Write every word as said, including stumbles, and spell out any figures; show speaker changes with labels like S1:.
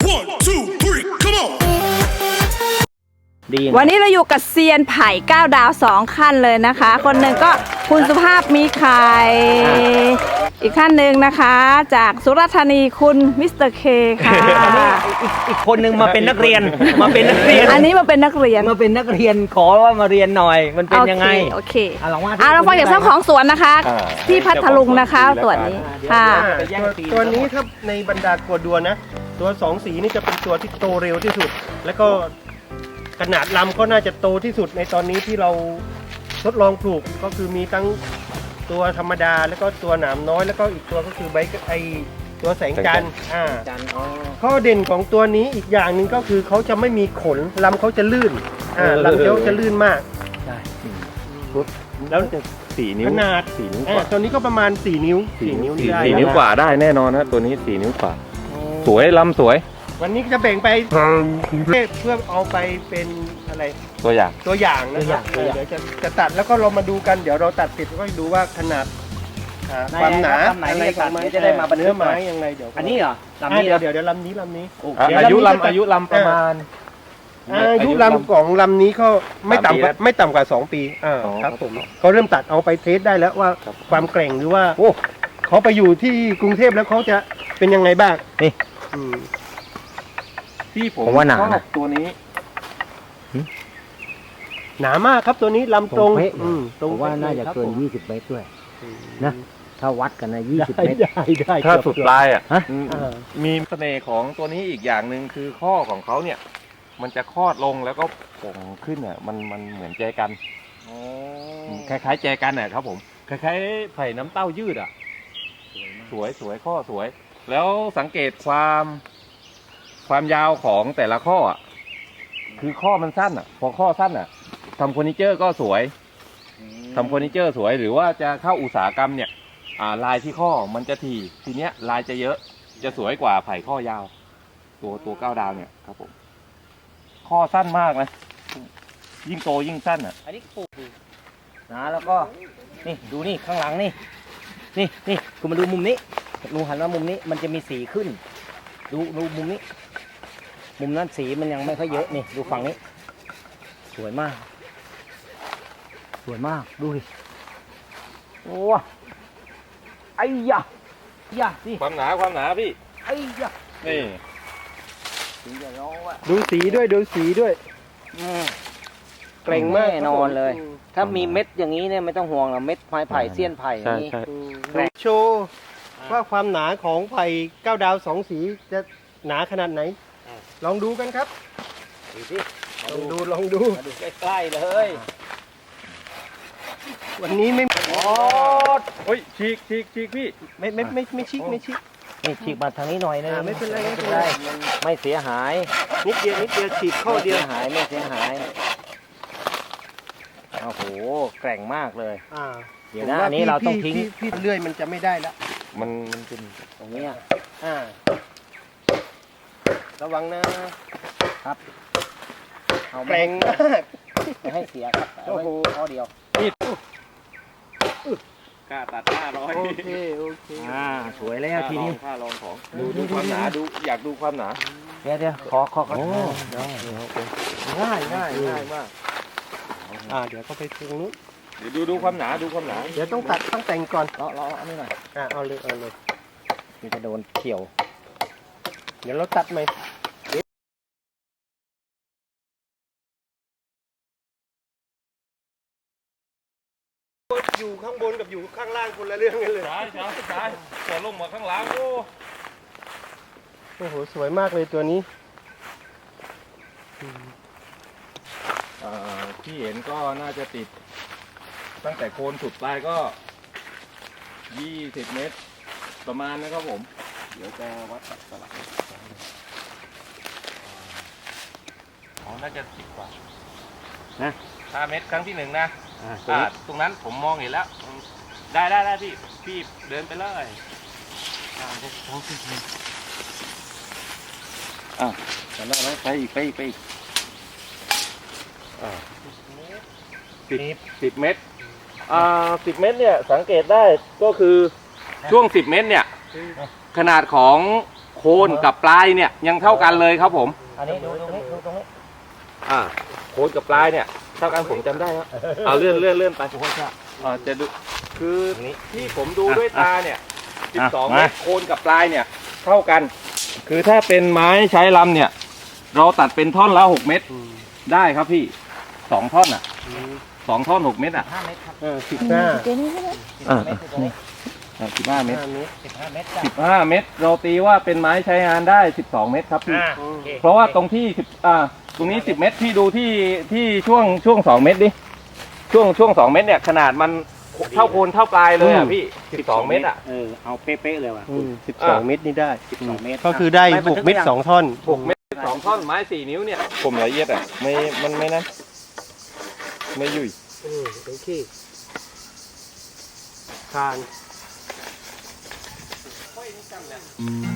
S1: One, two, three, come on.
S2: วันนี้เราอยู่กับเซียนไผ่เก้าดาวสองขั้นเลยนะคะ คนหนึ่งก็คุณสุภาพมีไข่อีกท่านหนึ่งนะคะ จากสุราษฎร์ธานีคุณมิสเตอร์เคค่ะ
S3: อีกอีกคนนึงมาเป็นนักเรียนมาเป็นนักเรียน
S2: อันนี้มาเป็นนักเรียน
S3: มาเป็นนักเรียนขอว่ามาเรียนหน่อยมันเป็นยังไง
S2: โอเค
S3: อ่ะลองว่า
S2: อ่ะเราฟังจากเจ้าของสวนนะคะ ที่พัทลุงนะคะสวนนี้ค่ะ
S4: ตัวตัวนี้ถ้าในบรรดาตัวดัวนะ ตัวสองสีนี่จะเป็นตัวที่โตเร็วที่สุด แล้วก็ขนาดลำก็น่าจะโตที่สุดในตอนนี้ที่เราทดลองปลูกก็คือมีทั้งตัวธรรมดาแล้วก็ตัวหนามน้อยแล้วก็อีกตัวก็คือใบไอตัวแสงจันทร์อ่า
S3: จันอ๋อ
S4: ข้อเด่นของตัวนี้อีกอย่างหนึ่งก็คือเขาจะไม่มีขนลำเขาจะลื่นอ่าลำเขาจะลื่นมาก
S3: ใช่
S4: แล้ว
S5: สี่นิ้ว
S4: ขนาด
S5: สี่นิ้วก
S4: อ่า
S5: ว่า
S4: ตัวนี้ก็ประมาณสี่นิ้วสี่นิ้ว
S5: สี่
S4: ได้
S5: สี่นิ้วกว่าได้แน่นอนนะตัวนี้สี่นิ้วกว่า สวยลำสวย
S4: วันนี้จะแบ่งไปเพื่อเอาไปเป็นอะไร
S5: ตัวอย่าง
S4: ตัวอย่างนะครับเออเดี๋ยวจะจะตัดแล้วก็เรามาดูกันเดี๋ยวเราตัดเสร็จก็ดูว่าขนาดอ่าความหนา
S3: ลำไหนที่จะตัดเดี๋ยวจะได้มาบันทึ
S4: เนื้อก
S3: หน่
S4: ไม้
S3: อย
S4: ยังไงเดี๋ยว
S3: อันนี้เหรอลำ
S4: อ่า
S3: นี้เหร
S4: เดี๋ย
S3: อ
S4: วเดี๋ยวเดี๋ยวลำนี้ลำนี้
S3: โอเค
S4: เดี๋ยว
S5: อายุ
S4: ลำนี้
S5: ลำอายุลำประมาณ
S4: อายุลำของลำนี้ก็ไม่ต่ำกว่า
S5: สามปีแล้ว
S4: ไม่ต่ำกว่าสองปีอ่า
S5: อ๋อ
S4: ครับผมเขาเริ่มตัดเอาไปเทสได้แล้วว่า
S5: ครับ
S4: ความแกร่งหรือว่าโอ้เขาไปอยู่ที่กรุงเทพแล้วเขาจะเป็นยังไงบ้าง
S3: นี่
S4: อืม
S5: ที่ผม
S3: ผมว่าหนา
S5: ชอบ
S3: นะ
S5: ตัวนี้
S4: หนามากครับตัวนี้ลำตรง
S6: ตรงเป๊ะ
S4: อืมตรง
S6: ผมว่าน่าจะ
S4: ครับ
S6: เกิน
S4: ผม
S6: ยี่สิบเมตรด้วย
S4: อืม
S6: นะ ถ้าวัดกันนะยี่สิบ
S4: ได้
S6: เมตร
S4: ได้ได้
S5: ถ้า
S4: เกือบ
S5: สุดปลายอ่ะ
S6: ฮะ
S5: อืม
S4: เออ
S5: มีเสน่ห์ของตัวนี้อีกอย่างหนึ่งคือข้อของเขาเนี่ย มันจะคลอดลงแล้วก็โป่งขึ้นอ่ะมันมันเหมือนแจกันคล้ายๆแจกันอ่ะครับผมคล้ายๆไผ่น้ำเต้ายืดอ่ะ สวยสวยข้อสวย แล้วสังเกตความความยาวของแต่ละข้ออ่ะคือข้อมันสั้นอ่ะ พอข้อสั้นอ่ะทำเฟอร์นิเจอร์ก็สวยทำเฟอร์นิเจอร์สวยหรือว่าจะเข้าอุตสาหกรรมเนี่ย อ่าลายที่ข้อมันจะถี่ทีเนี้ยลายจะเยอะจะสวยกว่าไผ่ข้อยาว ตัวตัวเก้าดาวเนี่ยครับผมข้อสั้นมากนะยิ่งโตยิ่งสั้นอ่ะ
S3: อันนี้ปลูกนะแล้วก็นี่ดูนี่ข้างหลังนี่นี่นี่คุณมาดูมุมนี้ดูหันมามุมนี้มันจะมีสีขึ้น ดูดูมุมนี้ มุมนั้นสีมันยังไม่ค่อยเยอะนี่ดูฝั่งนี้ สวยมาก สวยมากดูดิโอ้ไอ้ยะยะนี่
S5: ความหนาความหนาพี่
S3: ไอ้ยะ
S5: นี่
S3: ถึงจะร้องว่า
S4: ดูสีด้วยดูสีด้วย
S3: อืม
S4: เกร่งมาก
S3: แน่นอนเลย
S4: อืม
S3: ถ้ามีเม็ดอย่างนี้เนี่ยไม่ต้องห่วงหรอกเม็ดไม้ไผ่เสี้ยนไผ่อย่างนี้
S4: อืมดูโชว์ว่าความหนาของไผ่เก้าดาวสองสีจะหนาขนาดไหน ลองดูกันครับ
S3: ดูสิ
S4: ลองดูลองดู
S3: มาดูใกล้ๆเลย
S4: วันนี้ไม่
S3: โอ้
S5: โอ้ยฉีกฉีกฉีกพี่
S4: ไม่ไม่ไม่ไม่ชิกไม่ชิก
S3: นี่ฉีกมาทางนี้หน่อยนึง
S4: อ่าไม่เป็นไรไม่
S3: ไม่
S4: เป็
S3: เป็น น
S4: ไร
S3: ไรไม่เสียหาย
S4: นิดเดียวนิดเดียวฉีกข้อเดียว
S3: ไม่สียหายไม่เสียหายโอ้โหแกร่งมากเลย
S4: อ่า
S3: เดี๋ยวนะ
S4: ผม
S3: อันนี้เราต้อง
S4: พี่
S3: ทิ้ง
S4: พี่พี่เลื่อยมันจะไม่ได้ละ
S5: มันมันเป็น
S3: ตรงเนี้ย
S4: อ่าระวังนะ
S3: เอา
S4: แก
S3: ไม่
S4: ร่งมาก
S3: ไม่ให้เสียครับเอาไว้
S4: โอ้โห
S3: ข้อเดียว
S5: กล้าตัดห้าร้อย
S4: โอเคโอเค
S3: อ่าสวยแล้วทีนี้
S5: ค่าลองของดูดูความหนาดูอยากดูความหนา
S3: เดี๋ยวเดี๋ยวขอขอขอ
S4: ง่ายง่ายง่ายมากอ่าเดี๋ยวก็ไปตรงนู้น
S5: เดี๋ยวดูดูความหนาดูความหนา
S4: เดี๋ยวต้องตัดต้องแต่งก่อน
S3: เลาะเลาะอันนี้หน่อย
S4: อ่าเอาเลยเอาเลย
S3: มันจะโดนเขียว
S4: เดี๋ยวเราตัดไหมอยู่ข้างบนกับอยู่ข้างล่างคนละเรื่องกันเลย
S5: ใช่ใช่ใช่พอลงมาข้างหลังโอ้
S4: โอ้โหสวยมากเลยตัวนี้
S5: เอ่อที่เห็นก็น่าจะติด ตั้งแต่โคนสุดปลายก็ยี่สิบเมตร ประมาณนะครับผม เดี๋ยวจะวัดสลักอ๋อน่าจะสิบกว่า
S3: นะ
S5: ห้าเมตรครั้งที่หนึ่งนะ
S3: อ่า
S5: อ่าตรงนั้นผมมองเห็นแล้ว ได้ได้ได้พี่ พี่เดินไปเลยอ่าอ่าจำได้ไหมไปอีกไปอีกไปอีกอ่าสิบสิบเมตร อ่าสิบเมตรเนี่ยสังเกตได้ก็คือช่วงสิบเมตรเนี่ย ขนาดของโคคนกับปลายเนี่ยยังเท่ากันเลยครับผม
S3: อันนี้ดูตรงนี้ดูตรงนี้
S5: อ่าโคนกับปลายเนี่ยเท่ากันผมจำได้ครับเอาเลื่อนเลื่อนเลื่อนไปอ่าจะดูคือที่ผมดูด้วยตาเนี่ยสิบสองเมตรโคนกับปลายเนี่ยเท่ากัน คือถ้าเป็นไม้ใช้ลำเนี่ยเราตัดเป็นท่อนละหกเมตรได้ครับพี่สองท่อนอ่ะสองท่อนหกเมตรอ่ะ
S3: ห้าเมตรครับ
S4: เออสิบห้า
S3: สิบเมตรอยู่ตรงนี้
S5: สิบห้าเมตร
S4: ห้าเมตร
S3: สิบห้าเมตรจ้ะ
S5: สิบห้าเมตรเราตีว่าเป็นไม้ใช้งานได้สิบสองเมตรครับพี่
S3: อ่าโอค
S5: เพราะว่าตรงที่สิบอ่าตรงนี้สิบเมตรพี่ดูที่ที่ช่วงช่วงสองเมตรดิช่วงช่วงสองเมตรเนี่ยขนาดมันเท่าโคนเท่าปลายเลยอ่ะพี่สิบสองเมตรอ่ะ
S6: เออเอาเป๊ะๆเลยว่ะ
S4: สิบสองเมตรนี่ได้
S6: สิบสองเมตร
S4: ก็คือได้หกเมตรสองท่อน
S5: หกเมตรสองท่อนไม้สี่นิ้วเนี่ยผมละเอียดอ่ะไม่มันไม่นั้นไม่ยุ่ย
S4: เออโอเคทาน